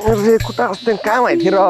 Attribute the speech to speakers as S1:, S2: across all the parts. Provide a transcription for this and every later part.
S1: अरे कुठं असते काय माहिती राव.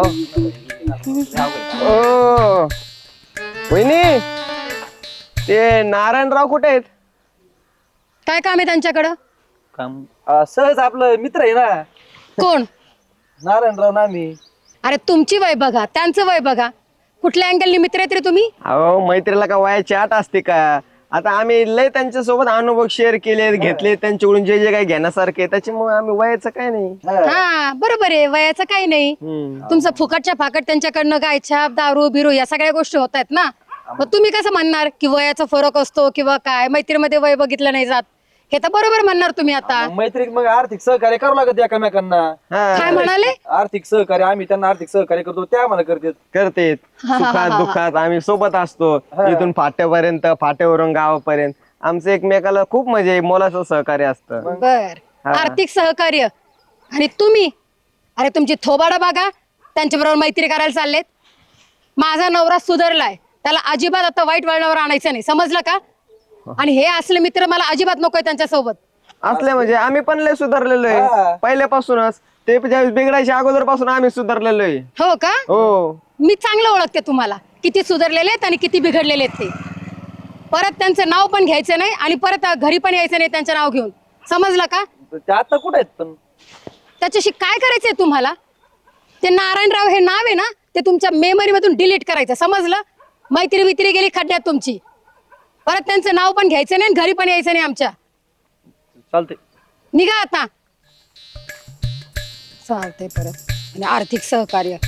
S1: ओ वहिनी, ते नारायणराव कुठे आहेत?
S2: काय काम आहे त्यांच्याकडं?
S3: काम सहज आपलं मित्र आहे ना
S2: कोण?
S3: नारायणराव नामी.
S2: अरे तुमची वय बघा, त्यांचं वय बघा. कुठल्या अँगलनी मित्र आहेत रे तुम्ही?
S1: अहो मैत्रीला का वयाची आट असते का? आता आम्ही लय त्यांच्या सोबत अनुभव शेअर केले, घेतले त्यांच्याकडून जे जे काही घेण्यासारखे, त्याच्यामुळे आम्ही वयाचं काय नाही.
S2: हा बरोबर आहे, वयाचं काही नाही. तुमचं फुकटच्या फाकट त्यांच्याकडनं काय छाप दारू बिरू या सगळ्या गोष्टी होत आहेत ना. मग तुम्ही कसं म्हणणार की वयाचा फरक असतो किंवा काय, मैत्रीमध्ये वय बघितलं नाही जात? हे तर बरोबर म्हणणार तुम्ही आता.
S3: मैत्रीत मग आर्थिक सहकार्य करावं लागत एकमेकांना.
S2: काय म्हणाले?
S3: आर्थिक सहकार्य आम्ही त्यांना आर्थिक सहकार्य करतो, त्या आम्हाला करतात.
S1: करते सुखात दुःखात आम्ही सोबत असतो. इथून फाट्यापर्यंत, फाट्यावरून गावापर्यंत आमचं एकमेकाला खूप म्हणजे मोलाचं सहकार्य असतं.
S2: बर, आर्थिक सहकार्य. आणि तुम्ही, अरे तुमची थोबाडं बघा, त्यांच्या बरोबर मैत्री करायला चाललेत. माझा नवरा सुधारलाय, त्याला अजिबात आता वाईट वळणावर आणायचं नाही, समजलं का? आणि हे असले मित्र मला अजिबात नकोय त्यांच्या सोबत.
S1: असले म्हणजे आम्ही पण लय सुधारलेलो आहे पहिल्यापासूनच. ते ज्यावेळेस बिघडायच्या अगोदर पासून आम्ही सुधारलेलो आहे.
S2: हो का?
S1: हो.
S2: मी चांगलं ओळखते तुम्हाला, किती सुधारलेले आहेत आणि किती बिघडलेले आहेत ते. परत त्यांचं नाव पण घ्यायचं नाही आणि परत घरी पण यायचं नाही त्यांचं नाव घेऊन, समजलं का?
S3: ते आता कुठे आहेत पण?
S2: त्याच्याशी काय करायचंय तुम्हाला? ते नारायणराव हे नाव आहे ना, ते तुमच्या मेमरी मधून डिलीट करायचं, समजलं? मैत्री वित्री गेली खड्ड्यात तुमची. परत त्यांचं नाव पण घ्यायचं नाही आणि घरी पण यायचं नाही आमच्या.
S3: चालते.
S2: निघा आता. चालतंय. परत आणि आर्थिक सहकार्य.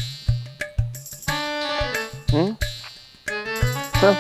S1: चल.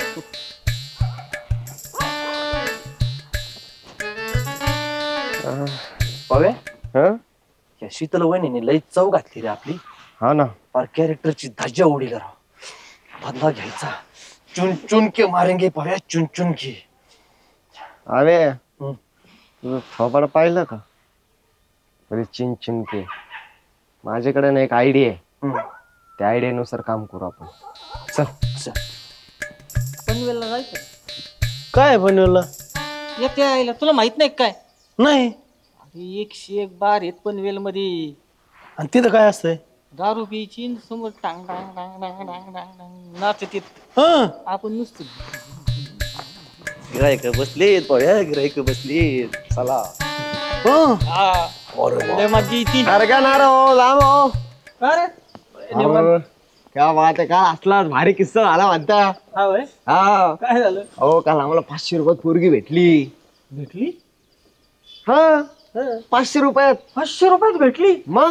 S3: पावे
S1: हं?
S3: या शीतल वहिनीने लई चव घातली रे आपली.
S1: हा ना.
S3: पर कॅरेक्टरची धज्जा उडील राव. बदला घ्यायचा. चुन चुन के मारेंगे पाव्या, चुन चुन के.
S1: अरे
S3: हं.
S1: तुझं थोबाड पाहिलं का? अरे चिन चिन के. माझ्याकडे ना एक आयडिया आहे.
S3: हं.
S1: त्या आयडियानुसार काम करू आपण. चल.
S3: चल.
S4: पनवेलला जायचं.
S5: काय बनवलं?
S4: येते आईला तुला माहित नाही का काय?
S5: नाही.
S4: अरे 101 बार आहेत पनवेल मध्ये.
S5: आणि तिथं काय असतंय?
S4: दारू प्यायची आणि समोर टांग टांग टांग टांग टांग टांग टांग नाचतीत.
S5: हं.
S4: आपण नुसतं
S3: गिरायक बसलीत पाव्या, गिरायक बसलीत. चला.
S5: हं.
S4: लय मजा येते.
S1: अरे का ना रो लांब हो.
S4: का रे?
S1: अरे, क्या बात आहे. काल असला भारी किस्सा झाला म्हणता.
S4: हा होय?
S1: हा.
S4: काय झालं?
S1: हो काल आम्हाला 500 रुपयात पोरगी भेटली.
S4: भेटली?
S1: हा 500 रुपयात.
S4: 500 रुपयात भेटली?
S1: मग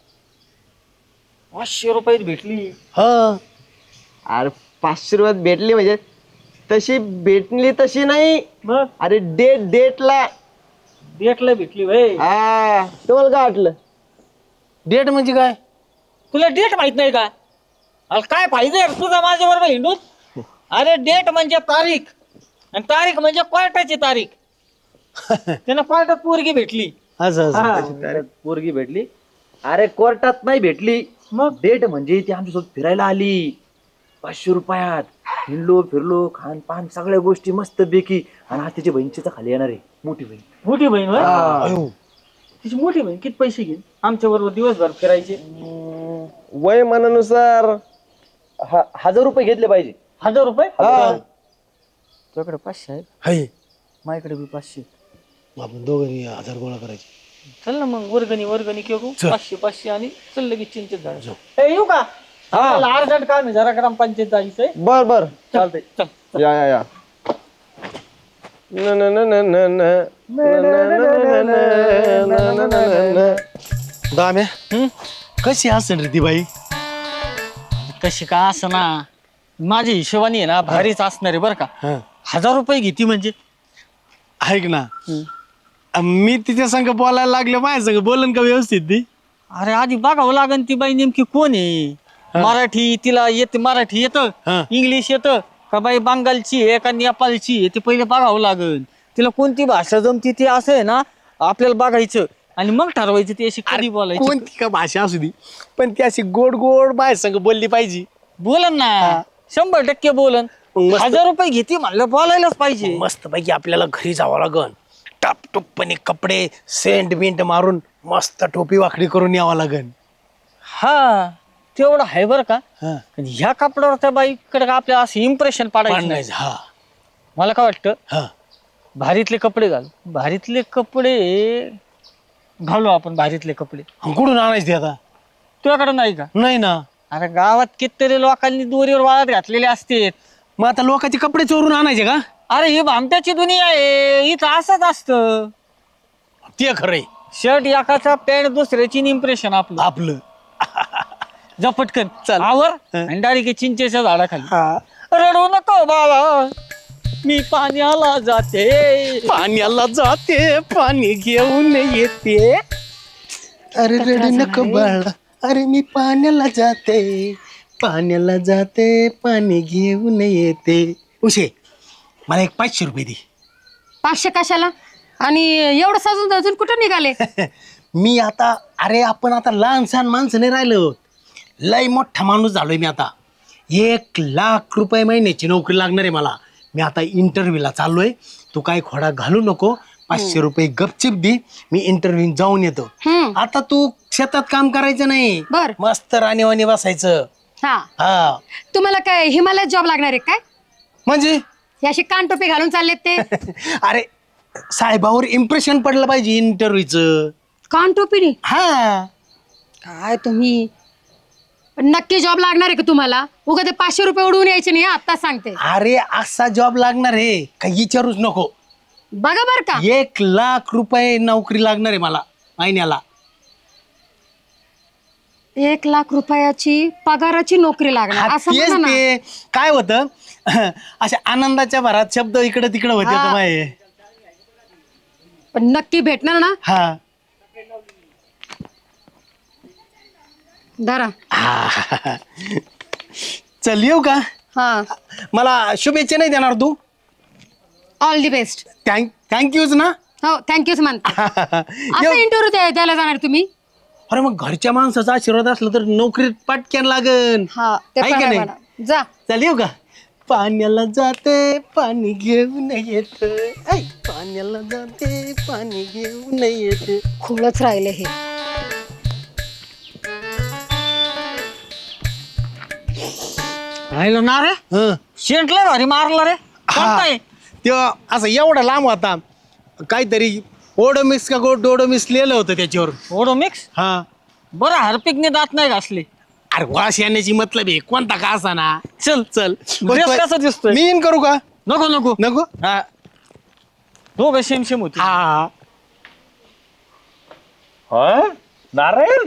S4: 500 रुपयात भेटली.
S5: हं.
S1: अरे 500 रुपयात भेटली म्हणजे तशी भेटली तशी नाही.
S4: मग
S1: अरे डेटला.
S4: डेटला भेटली भाई.
S1: हा तुम्हाला काय वाटलं?
S5: डेट म्हणजे काय?
S4: तुला डेट माहित नाही का? अरे काय फायदा आहे तुझा माझ्या बरोबर हिंडून? अरे डेट म्हणजे तारीख आणि तारीख म्हणजे कोर्टाची तारीख. त्यांना कोर्टात पोरगी भेटली.
S5: असं असं.
S3: हा, पोरगी भेटली. अरे कोर्टात नाही भेटली.
S4: मग
S3: डेट म्हणजे ती आमच्यासोबत फिरायला आली 500 रुपयात. हिंडलो फिरलो, खान पान सगळ्या गोष्टी मस्त पैकी. आणि आज तिची बहिणीच्या खाली येणार आहे, मोठी बहीण.
S4: मोठी बहीण होय?
S5: अयो.
S4: तिची मोठी बहीण किती पैसे घेईल आमच्या बरोबर दिवसभर फिरायचे?
S1: वय मनानुसार
S3: 1000 रुपये घेतले पाहिजे.
S4: 1000 रुपये?
S1: हा.
S4: तुझ्याकडे 500 आहेत,
S5: हाय.
S4: माझ्याकडे बी 500.
S5: आपण दोघांनी 1000 गोळा करायचे.
S4: चल ना मग वर्गणी करू.
S5: चल.
S4: 500 आणि चल लगेच चिंतेत झालं. येऊ का? मला अर्जंट काम आहे, जरा ग्रामपंचायत जायचंय.
S1: बर बर
S4: चालतंय चल.
S1: या न न न न न न न न.
S5: दाम्या कशी असेल रे ती बाई?
S4: कशी का असं ना, माझ्या हिशोबाने आहे ना भारीच असणार आहे बरं का.
S5: हं.
S4: 1000 रुपये घेते म्हणजे.
S5: ऐक ना, मी तिच्या संग बोलायला लागले, माझ्या संग बोलन का व्यवस्थित ती?
S4: अरे आधी बघावं लागेल ती बाई नेमकी कोण आहे. मराठी तिला येते, मराठी येतं,
S5: हं.
S4: इंग्लिश येतं का बाई बंगालची आहे का नेपाळची आहे ते पहिले बघावं लागेल. तिला कोणती भाषा जमती ते असं आहे ना आपल्याला बघायचं आणि मग ठरवायचं ती अशी कधी बोलायची.
S5: कोणती का भाषा असू दे, पण ती अशी गोड गोड माझ्या संग बोलली पाहिजे.
S4: बोलन ना, 100% बोलन.
S5: मग मस्त.
S4: 1000 रुपये घेते म्हणलं बोलायलाच पाहिजे.
S5: मस्त पैकी आपल्याला घरी जावं लागन. टापटुपणे कपडे सेंट बिंट मारून मस्त टोपी वाकडी करून यावं लागन.
S4: हा तेवढं आहे बरं का.
S5: हा.
S4: पण ह्या कपड्यावर त्या बाईकडे आपल्याला असं इम्प्रेशन पाडायचं नाही.
S5: पाडण्याचं, हा
S4: मला काय वाटतं
S5: हा.
S4: भारीतले कपडे घाल, भारीतले कपडे घालू आपण, भारीतले कपडे.
S5: आणि कुठून आणायचं ते आता?
S4: तुझ्याकडे नाही का?
S5: नाही ना.
S4: अरे गावात कितीतरी लोकांनी दोरीवर वाळत घातलेले असते.
S5: मग आता लोकांचे कपडे चोरून आणायचे का?
S4: अरे ही भामट्याची दुनिया आहे, इथं असंच असतं.
S5: ते खरंय
S4: शर्ट एकाचा, पॅन्ट दुसऱ्याची, इम्प्रेशन आपलं.
S5: आपलं.
S4: जा पटकन
S5: चल.
S4: आवर
S5: हं.
S4: आणि डायरेक्ट चिंचेच्या झाडाखाली.
S5: हा.
S4: रडू नको बाबा, मी पाण्याला जाते.
S5: पाण्याला जाते, पाणी घेऊन येते. अरे रडू नको बाळा, अरे मी पाण्याला जाते, पाण्याला जाते, पाणी घेऊन येते. उशे, मला एक 500 रुपये दे.
S2: 500 कशाला? आणि एवढं सजून अजून कुठं निघाले?
S5: मी आता, अरे आपण आता लहान सहान माणसं नाही राहिलो, लय मोठा माणूस झालोय मी आता. 1,00,000 रुपये महिन्याची नोकरी लागणार आहे मला. मी आता इंटरव्ह्यूला चाललोय. तू काय खोडा घालू नको, 500 रुपये गपचिप दे, मी इंटरव्ह्यू जाऊन येतो. आता तू शेतात काम करायचं नाही,
S2: बर.
S5: मस्त राणीवाणी बसायचं.
S2: हा,
S5: हा
S2: तुम्हाला काय हिमालयात जॉब लागणार आहे काय?
S5: म्हणजे
S2: हे अशी कानटोपी घालून चाललेत ते?
S5: अरे साहेबावर इम्प्रेशन पडलं पाहिजे इंटरव्ह्यूचं.
S2: कानटोपीने?
S5: हा
S2: काय तुम्ही, पण नक्की जॉब लागणार आहे का तुम्हाला? उगा ते 500 रुपये उडवून यायचे नाही, आता सांगते.
S5: अरे असा जॉब लागणार आहे काही विचारूच नको.
S2: बघा बर का.
S5: 1,00,000 रुपये नोकरी लागणार आहे मला महिन्याला.
S2: 1,00,000 रुपयाची पगाराची नोकरी लागणार
S5: हा,
S2: असं
S5: तेच
S2: म्हणा ना.
S5: ते काय होतं अशा आनंदाच्या भरात शब्द इकडे तिकडे होते
S2: हा.
S5: तर माये.
S2: पण नक्की भेटणार ना?
S5: हा
S2: धरा.
S5: हा. चल येऊ का?
S2: हा,
S5: मला शुभेच्छा नाही देणार तू?
S2: All the best.
S5: थँक्यूच ना.
S2: हो, थँक्यूच म्हणते. असं
S5: येऊ.
S2: इंटरव्ह्यू द्यायला जाणार तुम्ही?
S5: अरे मग घरच्या माणसाचा आशीर्वाद असला तर नोकरीत पाटक्यान लागन.
S2: हा, ते
S5: आहे
S2: पण
S5: का
S2: आहे
S5: नाही?
S2: म्हणा. जा.
S5: चल येऊ का? पाण्याला जाते, पाणी घेऊन येत. पाण्याला जाते, पाणी घेऊन येत.
S2: खोळच राहिले हे.
S4: राहिलं ना रे,
S5: हं.
S4: शेंटलं भारी मारलं रे. कोणता आहे?
S5: तेव्हा असं एवढा लांब होता, काहीतरी ओडोमिक्स का डोडोमिक्स लिहिलं होतं त्याच्यावर.
S4: Odomos.
S5: हा
S4: बरं हार्पिकने दात नाही घासले.
S5: अरे वास येण्याची मतलब आहे, कोणता का असा ना.
S4: चल
S5: चल
S4: ड्रेस कसा दिसतोय?
S5: मी इन करू का?
S4: नको नको.
S5: नको.
S4: हा, दोघं सेम सेम होते.
S5: हा
S6: नारायण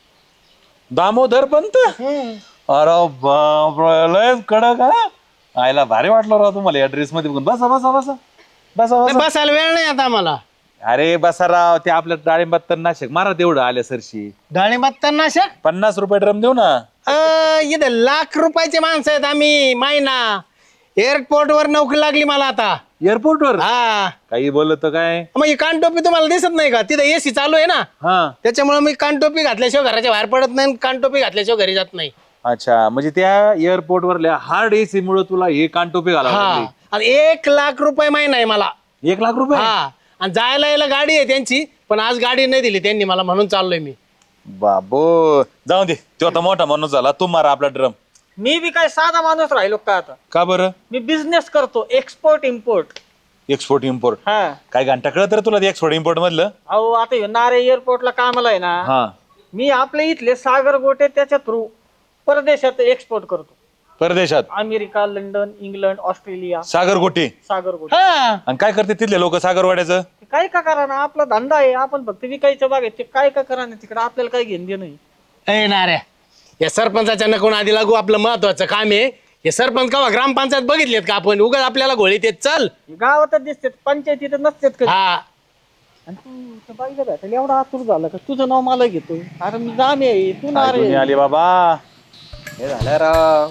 S6: दामोदर पंत. अरे बापरे, लयच कडक हा. आयला भारी वाटलं राव तुम्हाला या ड्रेस मध्ये बघून. बसा बसा बसा बसा
S5: नाही,
S6: बसा.
S5: बसायला वेळ नाही आता मला.
S6: अरे बसा राव, ते आपल्या डाळिंबात तर नाशिक मारा तेवढं आल्या सरशी.
S5: डाळिंबात नाशक.
S6: 50 रुपये ड्रम देऊ ना.
S5: इथे 1,00,000 रुपयाचे माणसं आहेत आम्ही. महिना एअरपोर्ट वर नोकरी लागली मला आता.
S6: एअरपोर्ट वर
S5: हा
S6: काही बोलत काय?
S5: मग ही कानटोपी तुम्हाला दिसत नाही का? तिथे एसी चालू आहे ना,
S6: हा
S5: त्याच्यामुळे मी कानटोपी घातल्याशिवाय घराच्या बाहेर पडत नाही, कानटोपी घातल्याशिवाय घरी जात नाही.
S6: अच्छा, म्हणजे त्या एअरपोर्ट वरल्या हार्ड एसी मुळे तुला हे कानटोपी घालावं
S5: हा
S6: लागली.
S5: आणि 1,00,000 रुपये महिना आहे मला.
S6: 1,00,000 रुपये?
S5: हा आणि जायला यायला गाडी आहे त्यांची, पण आज गाडी नाही दिली त्यांनी मला, म्हणून चाललोय मी.
S6: बाबो जाऊ दे, तो आता मोठा माणूस झाला. तू मारा आपला ड्रम.
S4: मी बी काय साधा माणूस राहिलो का आता?
S6: का बरं?
S4: मी बिझनेस करतो, एक्सपोर्ट इम्पोर्ट.
S6: Export import.
S4: हा,
S6: काय घंटा कळत रे तुला एक्सपोर्ट इम्पोर्ट मधलं?
S4: अहो आता ह्यो नारे एअरपोर्टला कामाला आहे ना.
S6: हा,
S4: मी आपले इथले सागर गोटे त्याच्या थ्रू परदेशात एक्सपोर्ट करतो.
S6: परदेशात
S4: America, London, England, Australia.
S6: Sagar Gote.
S4: Sagar Gote.
S5: हा
S6: आणि काय करते तिथले लोक सागरवाड्याचं?
S4: ते काय का करा ना, आपला धंदा आहे, आपण फक्त विकायचं बाग आहे. ते काय का करा ना, तिकडे आपल्याला काय घेणं देणं नाही.
S5: ए नाऱ्या, या सरपंचाच्या नको आधी लागू, आपलं महत्वाचं काम आहे. हे सरपंच का ग्रामपंचायत बघितलेत का आपण? उगाच आपल्याला घोळीत येत. चल.
S4: गावातच दिसतात, पंचायतीत नसतात कधी.
S5: हा
S4: आणि तू त्या बाईला भेटायला एवढा आतुर झाला का? तुझं नाव मला घेतोय. अरे मी जामे आहे, तू
S6: काय
S4: नारे
S6: दुनिया आली बाबा.
S1: हे झालं राव.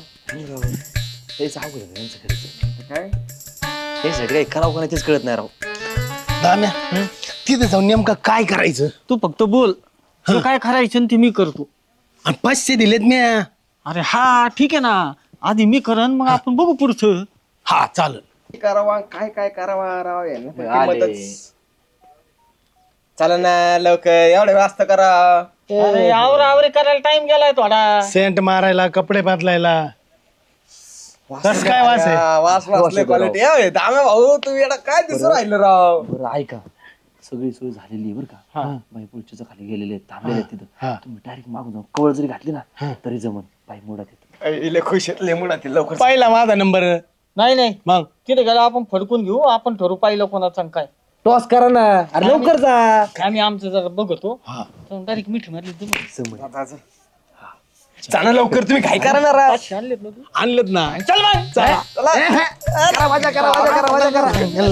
S3: तेच अवघड आहे यांचं खरंच. काय यासाठी काही करावं का नाही तेच कळत नाही राव.
S5: दाम्या, तिथे जाऊन नेमकं काय करायचं?
S4: तू फक्त बोल, तू काय करायचं आणि ते मी करतो.
S5: आणि 500 दिलेत मी.
S4: अरे हा ठीक आहे ना, आधी मी करन, मग आपण बघू पुढचं.
S5: हा चालेल.
S1: करावा काय काय करावा राव यांना
S3: आले.
S1: किंमतच. चला ना लवकर, एवढे वाजता करा.
S4: अरे आवरी करायला टाइम गेलाय थोडा.
S5: सेंट मारायला, कपडे बदलायला. कस काय वास आहे?
S1: वास वासले क्वालिटी. दामे भाऊ तुम्ही येडा काय दिसू राहिलं राव.
S3: बरं ऐका, सगळी सोय झालेली आहे बरं का. बाई पुढच्या खाली गेलेले आहेत, थांबलेले आहेत तिथं. तुम्ही डायरेक्ट मागून जाऊन कवळ जरी घातली ना तरी जमन. बाई मोडात येत.
S1: इले खुश आहेत लेमुडातील लवकर.
S5: पहिला माझा नंबर.
S4: नाही
S5: मग
S4: तिथे गेला आपण फडकून घेऊ. आपण ठरू पाहिलं कोणाचं आणि काय.
S3: टॉस करा ना, अरे लवकर जा.
S4: आम्ही आमचं जरा बघतो. डायरेक्ट मिठी मारली.
S1: चला लवकर, तुम्ही काय करा ना राव.
S4: आणलेत ना तू.
S5: आणलं ना.
S4: चल मग.
S1: करा मजा करा मजा करा.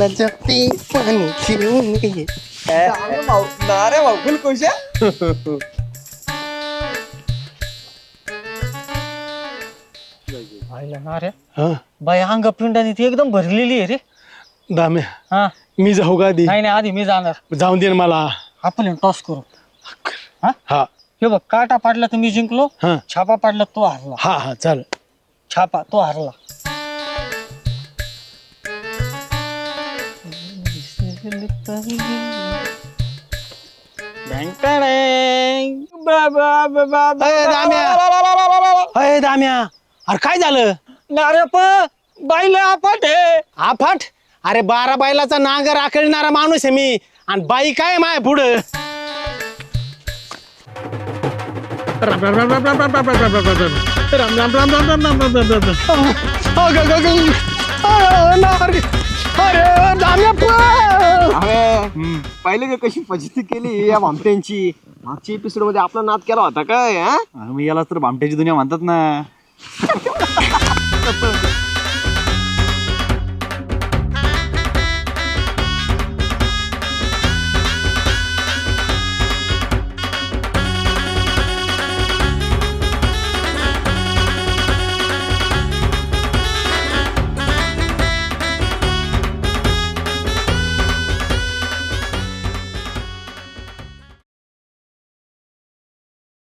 S1: अरे भाऊ फुल खुश आहे.
S4: पाहिलं ना रे
S5: हा
S4: बाई अंग पिंडाने ती एकदम भरलेली आहे रे.
S5: दाम्या,
S4: हा
S5: मी जाऊ का आधी?
S4: नाही आधी मी जाणार.
S5: जाऊन दे ना मला.
S4: आपण टॉस करू.
S5: हा
S4: हे बघ, काटा पाडला तर मी जिंकलो.
S5: हा
S4: छापा पाडला तो हारला.
S5: हा हा चाल.
S4: छापा तो हारला.
S5: अय दाम्या, अरे काय झालं?
S4: नारे प बाईला आपट आहे.
S5: आफाट? अरे 12 बैलाचा नांगर आखळणारा माणूस आहे मी, आणि बाई काय माय पुढं. राम राम राम राम राम राम राम राम राम राम राम राम राम राम राम राम राम राम. अरे दाम्या
S1: पाहिले का कशी फजिती केली या भामट्यांची. मागच्या एपिसोड मध्ये आपला नाद केला होता काय.
S3: मग याला तर भामट्याची दुनिया म्हणतात ना.